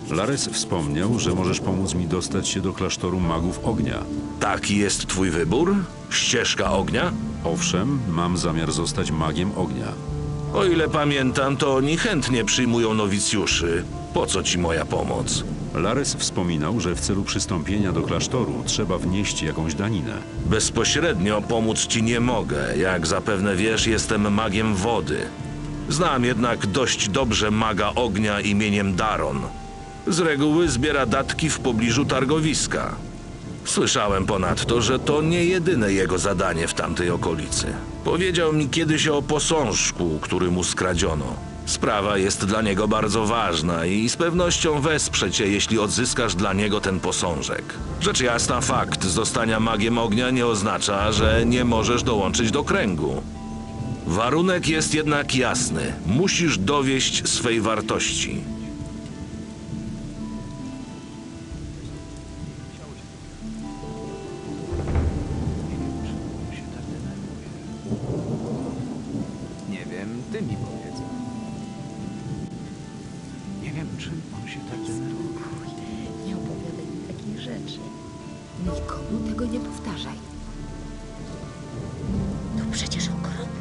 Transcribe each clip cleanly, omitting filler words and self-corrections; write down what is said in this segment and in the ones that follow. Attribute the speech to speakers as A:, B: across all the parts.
A: Lares wspomniał, że możesz pomóc mi dostać się do klasztoru magów ognia.
B: Taki jest twój wybór? Ścieżka ognia?
A: Owszem, mam zamiar zostać magiem ognia.
B: O ile pamiętam, to oni chętnie przyjmują nowicjuszy. Po co ci moja pomoc?
A: Lares wspominał, że w celu przystąpienia do klasztoru trzeba wnieść jakąś daninę.
B: Bezpośrednio pomóc ci nie mogę. Jak zapewne wiesz, jestem magiem wody. Znam jednak dość dobrze maga ognia imieniem Daron. Z reguły zbiera datki w pobliżu targowiska. Słyszałem ponadto, że to nie jedyne jego zadanie w tamtej okolicy. Powiedział mi kiedyś o posążku, który mu skradziono. Sprawa jest dla niego bardzo ważna i z pewnością wesprze cię, jeśli odzyskasz dla niego ten posążek. Rzecz jasna, fakt zostania magiem ognia nie oznacza, że nie możesz dołączyć do kręgu. Warunek jest jednak jasny. Musisz dowieść swej wartości.
C: Nie wiem, ty mi powiedz. Nie wiem, czym on się tak denerwuje.
D: Nie opowiadaj mi takich rzeczy. Nikomu tego nie powtarzaj. To przecież okropne.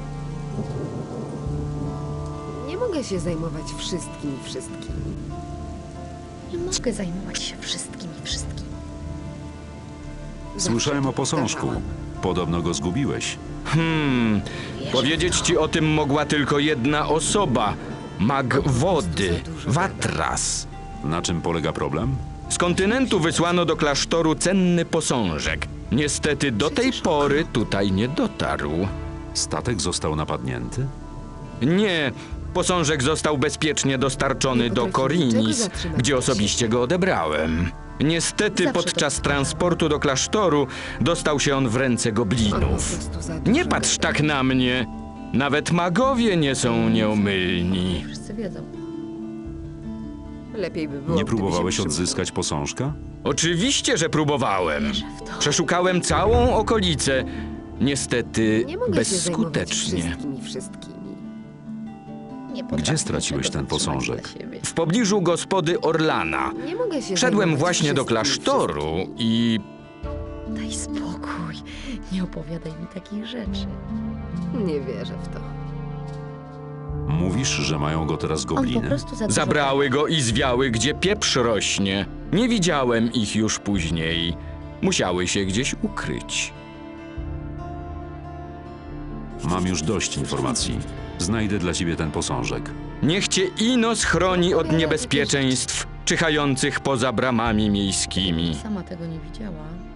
D: Nie mogę się zajmować wszystkim. Nie mogę zajmować się wszystkim.
A: Słyszałem o posążku. Podobno go zgubiłeś.
E: Powiedzieć ci o tym mogła tylko jedna osoba. Mag wody, Watras.
A: Na czym polega problem?
E: Z kontynentu wysłano do klasztoru cenny posążek. Niestety do tej pory tutaj nie dotarł.
A: Statek został napadnięty?
E: Nie, posążek został bezpiecznie dostarczony do Korinis, gdzie osobiście go odebrałem. Niestety podczas transportu do klasztoru dostał się on w ręce goblinów. Nie patrz tak na mnie. Nawet magowie nie są nieomylni.
D: Wszyscy wiedzą. Lepiej by było,
A: Nie
D: gdyby się
A: próbowałeś
D: przybrał.
A: odzyskać posążka?
E: Oczywiście, że próbowałem.
D: Wierzę w to.
E: Przeszukałem całą okolicę. Niestety
D: Nie mogę się zajmować
E: bezskutecznie.
D: wszystkimi.
A: Gdzie straciłeś ten posążek?
E: W pobliżu gospody Orlana.
D: Nie mogę się
E: Szedłem
D: zajmować
E: właśnie do
D: wszystkimi
E: klasztoru i
D: Daj spokój. Nie opowiadaj mi takich rzeczy. Nie wierzę w to.
A: Mówisz, że mają go teraz
D: On po
A: gobliny?
D: prostu za dużo...
E: zabrały go i zwiały, gdzie pieprz rośnie. Nie widziałem ich już później. Musiały się gdzieś ukryć.
A: Mam już dość informacji. Znajdę dla ciebie ten posążek.
E: Niech cię Inos chroni od niebezpieczeństw czyhających poza bramami miejskimi.
D: Sama tego nie widziała.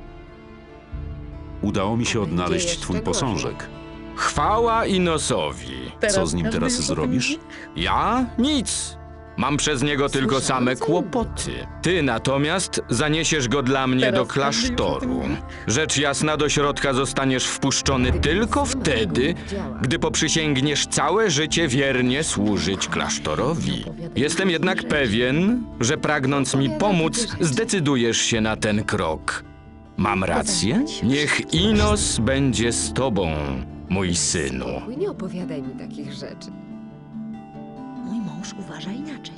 A: Udało mi się
D: A będzie
A: odnaleźć
D: jeszcze
A: twój
D: gorzej.
A: posążek.
E: Chwała Inosowi.
A: Co z nim teraz zrobisz?
E: Ja? Nic. Mam przez niego tylko same kłopoty. Ty natomiast zaniesiesz go dla mnie do klasztoru. Rzecz jasna, do środka zostaniesz wpuszczony tylko wtedy, gdy poprzysięgniesz całe życie wiernie służyć klasztorowi. Jestem jednak pewien, że pragnąc mi pomóc, zdecydujesz się na ten krok. Mam rację? Niech Inos będzie z tobą, mój synu.
D: Spokój, nie opowiadaj mi takich rzeczy.
F: Mój mąż uważa inaczej.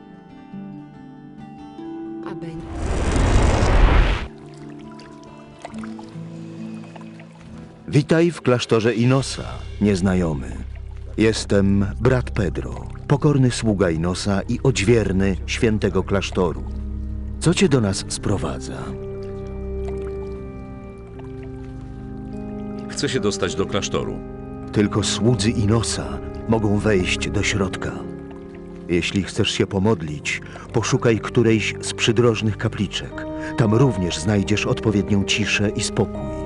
D: A będzie...
G: Witaj w klasztorze Inosa, nieznajomy. Jestem brat Pedro, pokorny sługa Inosa i odźwierny świętego klasztoru. Co cię do nas sprowadza?
A: Chcę się dostać do klasztoru.
G: Tylko słudzy Inosa mogą wejść do środka. Jeśli chcesz się pomodlić, poszukaj którejś z przydrożnych kapliczek. Tam również znajdziesz odpowiednią ciszę i spokój.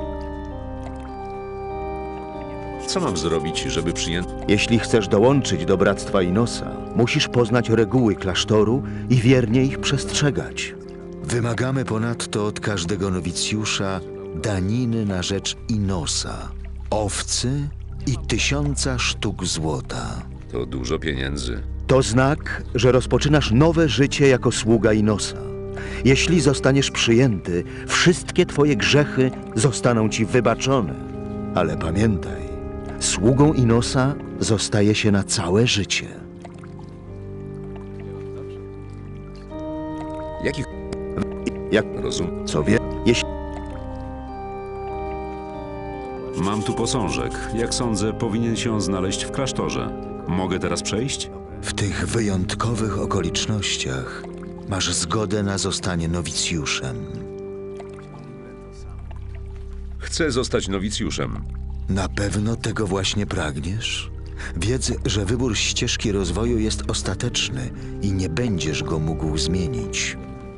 A: Co mam zrobić, żeby przyjęto...
G: Jeśli chcesz dołączyć do Bractwa Inosa, musisz poznać reguły klasztoru i wiernie ich przestrzegać. Wymagamy ponadto od każdego nowicjusza daniny na rzecz Inosa, owcy i 1000 sztuk złota.
A: To dużo pieniędzy.
G: To znak, że rozpoczynasz nowe życie jako sługa Inosa. Jeśli zostaniesz przyjęty, wszystkie twoje grzechy zostaną ci wybaczone. Ale pamiętaj, sługą Inosa zostaje się na całe życie. Jak
A: Rozum.
G: co wie, jeśli
A: Mam tu posążek. Jak sądzę, powinien się on znaleźć w klasztorze. Mogę teraz przejść?
G: w tych wyjątkowych okolicznościach masz zgodę na zostanie nowicjuszem.
A: Chcę zostać nowicjuszem.
G: Na pewno tego właśnie pragniesz? Wiedz, że wybór ścieżki rozwoju jest ostateczny i nie będziesz go mógł zmienić.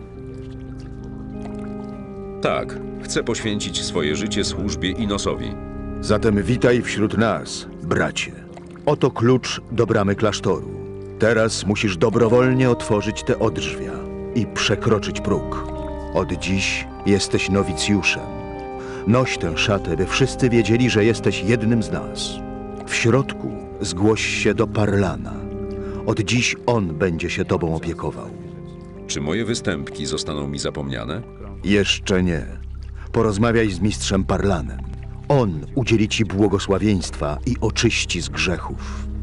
A: Tak, chcę poświęcić swoje życie służbie Inosowi.
G: Zatem witaj wśród nas, bracie. Oto klucz do bramy klasztoru. Teraz musisz dobrowolnie otworzyć te odrzwia i przekroczyć próg. Od dziś jesteś nowicjuszem. Noś tę szatę, by wszyscy wiedzieli, że jesteś jednym z nas. W środku zgłoś się do Parlana. Od dziś on będzie się tobą opiekował.
A: Czy moje występki zostaną mi zapomniane?
G: Jeszcze nie. Porozmawiaj z mistrzem Parlanem. On udzieli ci błogosławieństwa i oczyści z grzechów.